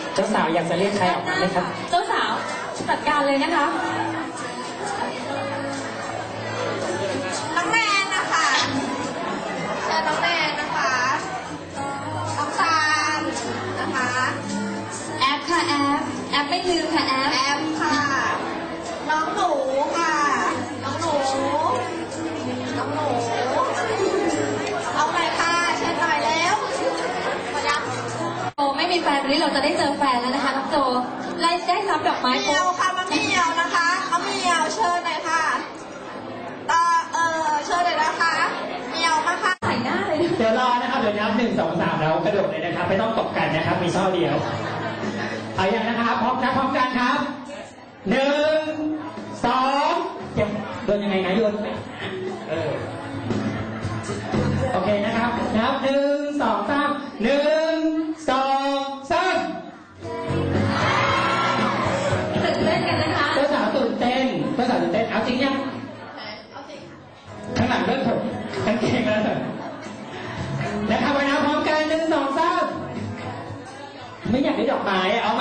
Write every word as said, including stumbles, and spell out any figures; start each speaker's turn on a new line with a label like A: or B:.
A: เจ้าสาวอยากจะเรียกใครออกมาไหมครับ
B: เจ้าสาวจัดการเลยนะคะ
C: น้องแนนนะคะเชิญน้องแนนนะคะน้องตาลนะคะ
B: แอปค่ะแอปแอปไม่ลืมค่ะแอป
C: แอมค่ะน้องหนูค่ะน้องหนูน้องหนูเอาหน่อยค่ะเชิญหน่อยแล้วมายัง
B: โจไม่มีแฟนวันนี้เราจะได้เจอแฟนแล้วนะคะน้องโจไล่ได้รับดอกไม้
C: เมียวค่ะมาเมียวนะคะเอาเมียวเชิญหน่อยค่ะตาเออเชิญหน่อยนะคะเมียวมาค่ะ
B: ใส่หน้าเลย
A: เดี๋ยวรอนะครับเดี๋ยวนับหนึ่งสองสามแล้วกระโดดเลยนะครับไม่ต้องตบกันนะครับมีช่อเดียวเอาอย่างนะครับพร้อมนะพร้อมกันครับหนึ่งสองโดนยังไงนะโยนเออโอเคนะครับนับหนึ่งสองสามหนึ่งสองสาม
B: ตื่นเต้นกันนะคะ
A: เจ้าสาวตื่นเต้นเจ้าสาวตื่นเต้นเอาจริงยังข้างหลังเริ่มผมกันเก่งแล้วนะครับไปนะพร้อมกันหนึ่งสองสามไม่อยากได้ดอกไม้เอา